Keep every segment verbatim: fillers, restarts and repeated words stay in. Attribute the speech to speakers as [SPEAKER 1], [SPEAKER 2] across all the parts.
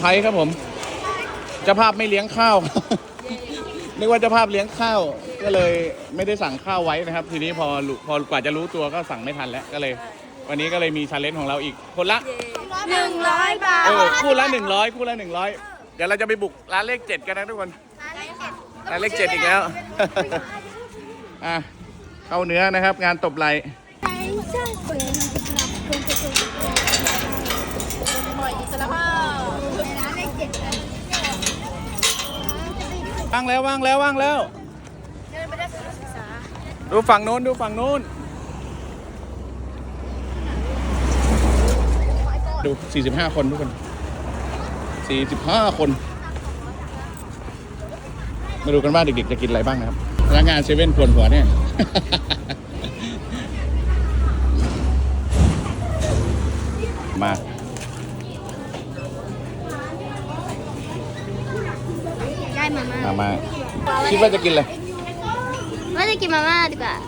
[SPEAKER 1] ไทยครับผมเจ้าภาพไม่เลี้ยงข้าวนึกว่าเจ้าภาพเลี้ยงข้าวก็เลยไม่ได้สั่งข้าวไว้นะครับทีนี้พอพอกว่าจะรู้ตัวก็สั่งไม่ทันแล้วก็เลยวันนี้ก็เลยมีชาเลนจ์ของเราอีกคนละ
[SPEAKER 2] หนึ่งร้อยบาท
[SPEAKER 1] เออคู่ละหนึ่งร้อยคู่ละหนึ่งร้อยเดี๋ยวเราจะไปบุกร้านเลขเจ็ดกันนะทุกคนร้านเลขเจ็ดอีกแล้วอ่ะเข้าเนื้อนะครับงานตบไหล่ว่างแล้วว่างแล้วว่างแล้วดูฝั่งโน้นดูฝั่งโน้นดูสี่สิบห้าคนทุกคนสี่สิบห้าคนมาดูกันว่าเด็กๆจะกินอะไรบ้างนะครับพนักงานเซเว่นปวดหัวเนี่ยมา
[SPEAKER 2] ได้มาม่า
[SPEAKER 1] มามาคิดว่าจะกินอะไร
[SPEAKER 2] ว่าจะกินมาม่าดีกว่า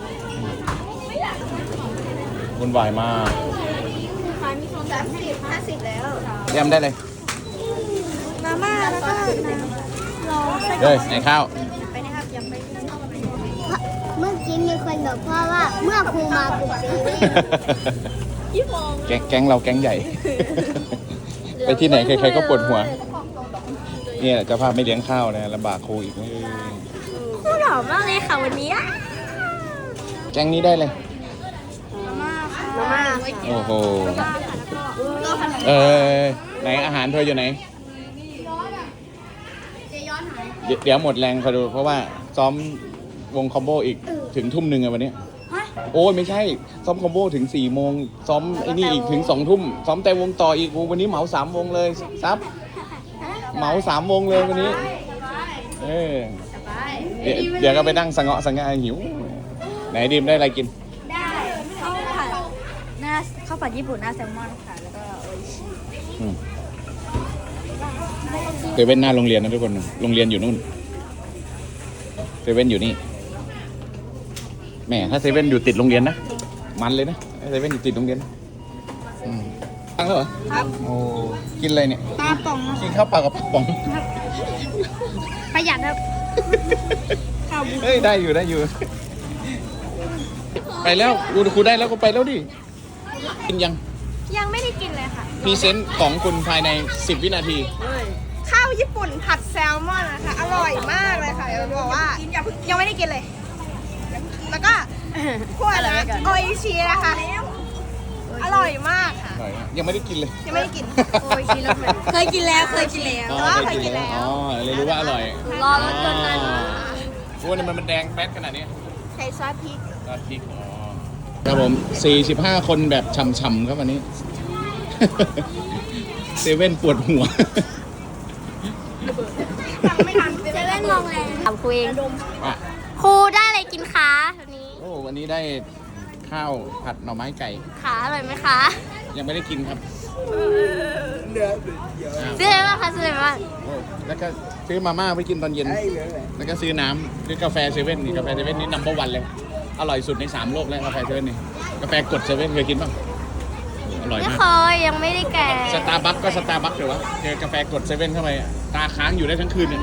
[SPEAKER 1] วุ่นวายมาก
[SPEAKER 2] สามสิบห้าสิบแล้ว
[SPEAKER 1] เตรียมได้เลย
[SPEAKER 2] มาม่าแล้วก็รอ
[SPEAKER 1] เฮ้ยไหนข้าว
[SPEAKER 2] ไปนะครับยังไปเมื่อกี้มีคนบอกพ่อว่าเมื่อครูมาปลุกเซเว่น
[SPEAKER 1] แก๊งแก๊งเราแก๊งใหญ่ ไปที่ไหนใครๆก็ปวดหัวเนี่ยเจ้าภาพไม่เลี้ยงข้าวนะลำบากครูอีก
[SPEAKER 2] ครูหล่อมากเลยค่ะวันนี้
[SPEAKER 1] แก๊งนี้ได้เลย
[SPEAKER 2] มาม่ามาม่า
[SPEAKER 1] โอ้โหเออไหนอาหารเธออยู่ไหนเดี๋ยวหมดแรงคอยดูเพราะว่าซ้อมวงคอมโบอีกถึงทุ่มหนึ่งอะวันนี้โอ้ยไม่ใช่ซ้อมคอมโบถึงสี่โมงซ้อมไอ้นี่อีกถึงสองทุ่มซ้อมแต่วงต่ออีกวันนี้เหมาสามวงเลยซับเหมาสามวงเลยวันนี้เออเดี๋ยวเดี๋ยวก็ไปนั่งสังเงาะสังเงาหิวไหนดิมได้อะไรกิน
[SPEAKER 2] ได้ข้าวผัดหน้าข้าวผัดญี่ปุ่นหน้าแซลมอนค่ะแล้วก็โออิชิ
[SPEAKER 1] เซเว่นหน้าโรงเรียนนะทุกคนโรงเรียนอยู่นู่นเซเว่นอยู่นี่แม่ถ้าเซเว่นอยู่ติดโรงเรียนนะมันเลยนะเซเว่นอยู่ติดโรงเรียนตั้งแล้วเหรอครับโอ้กินอะไรเนี่ย
[SPEAKER 2] ปลาป๋อง
[SPEAKER 1] กินข้าวเปล่ากับป๋อง
[SPEAKER 2] ประหยัดครับ
[SPEAKER 1] เฮ้ยได้อยู่ได้อยู่ไปแล้วครูครูได้แล้วก็ไปแล้วดิกินยัง
[SPEAKER 2] ยังไม่ได้กินเลยค่ะ
[SPEAKER 1] พรีเซนต์ของคุณภายในสิบวินาที
[SPEAKER 2] ข้าวญี่ปุ่นผัดแซลมอนนะคะอร่อยมากเลยค่ะจะบอกว่ายังไม่ได้กินเลยแล้วก็พวกอะไรโออิชินะคะอร่อยมากค่ะ
[SPEAKER 1] ยังไม่ได้กินเลย
[SPEAKER 2] ยังไม่ได้กินโออิชิแล้วเคยกินแล้วเคยกินแล้วแต่ว่าเคยกินแล้ว
[SPEAKER 1] อ๋อเลยรู้ว่าอร่อย
[SPEAKER 2] รอรถจนนั้น
[SPEAKER 1] พวกนี้มันมันแดงแป๊ดขนาดนี้
[SPEAKER 2] ใส่ซอสพริก
[SPEAKER 1] ซอสพริกอ๋อครับผมสี่สิบห้าคนแบบช่ำๆครับวันนี้เซเว่นปวดหัว
[SPEAKER 2] ไม่ทันเซเว่นมองแรงถามครูเองครูได้อะไรกินคะวันนี้
[SPEAKER 1] โอ้วันนี้ได้ข้าวผัดหน่อไม้ไก่
[SPEAKER 2] ขาอร่อยไหมคะ
[SPEAKER 1] ยังไม่ได้กินครับ
[SPEAKER 2] ซื้ออะไรบ้างคะซื้ออะไรบ้าง
[SPEAKER 1] แล้วก็ซื้อมาม่าไปกินตอนเย็นแล้วก็ซื้อน้ำซื้อกาแฟเซเว่นนี่กาแฟเซเว่นนี่นัมเบอร์วันเลยอร่อยสุดในสามโลกแล้วกาแฟเซเว่นนี่กาแฟกดเซเว่นเคยกินป่ะอร่อยมาก
[SPEAKER 2] ไม่เคยยังไม่ได้แก่
[SPEAKER 1] สตาร์บัคก็สตาร์บัคเดี๋ยววะเจอกาแฟกดเซเว่นเข้าไปตาค้างอยู่ได้ทั้งคืนเนี่ย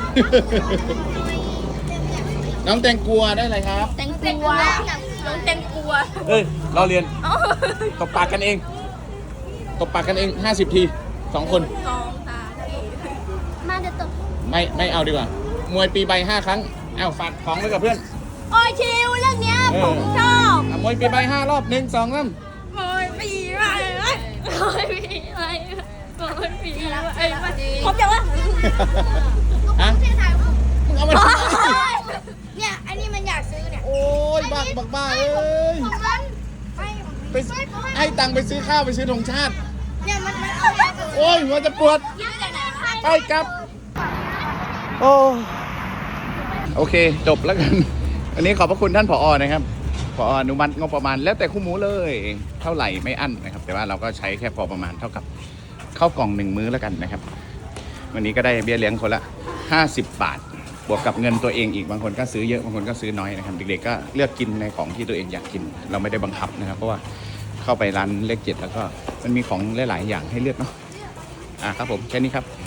[SPEAKER 1] น้องแตงกัวได้อะไรครับ
[SPEAKER 2] แตงกัวน้องแตงกัว
[SPEAKER 1] เฮ้ยเราเรียนตบปากกันเองตบปากกันเองห้าสิบทีสองคน
[SPEAKER 2] สองตามาจะตบ
[SPEAKER 1] ไม่ไม่เอาดีกว่ามวยปีใบห้าครั้งเอ้าฝากของไว้กับเพื่อน
[SPEAKER 2] โอ้ยชิวเรื่องเนี้ยผมชอบ
[SPEAKER 1] มวยปีใบห้ารอบหนึ่งสองสาม
[SPEAKER 2] มวยปีใบมวยปีใบมวยปีใบผมจะว่า
[SPEAKER 1] ฮะมึงเอามา
[SPEAKER 2] เนี่ยอันนี้มันอยากซื้อเนี่ย
[SPEAKER 1] โอ้ยบักบักบ้าเอ้ยไปให้ตังค์ไปซื้อข้าวไปซื้อธงชาติ
[SPEAKER 2] เนี่ยมัน
[SPEAKER 1] โอ้ยหัวจะปวดไปกลับโอ้โอเคจบแล้วกันวันนี้ขอบพระคุณท่านผอ.นะครับผอ.อนุมัติงบประมาณแล้วแต่คู่หมูเลยเท่าไหร่ไม่อั้นนะครับแต่ว่าเราก็ใช้แค่พอประมาณเท่ากับข้าวกล่องหนึ่งมื้อแล้วกันนะครับวันนี้ก็ได้เบี้ยเลี้ยงคนละห้าสิบบาทบวกกับเงินตัวเองอีกบางคนก็ซื้อเยอะบางคนก็ซื้อน้อยนะครับเด็กๆก็เลือกกินในของที่ตัวเองอยากกินเราไม่ได้บังคับนะครับเพราะว่าเข้าไปร้านเลขเจ็ดแล้วก็มันมีของหลายๆอย่างให้เลือกเนาะอ่ะครับผมแค่นี้ครับ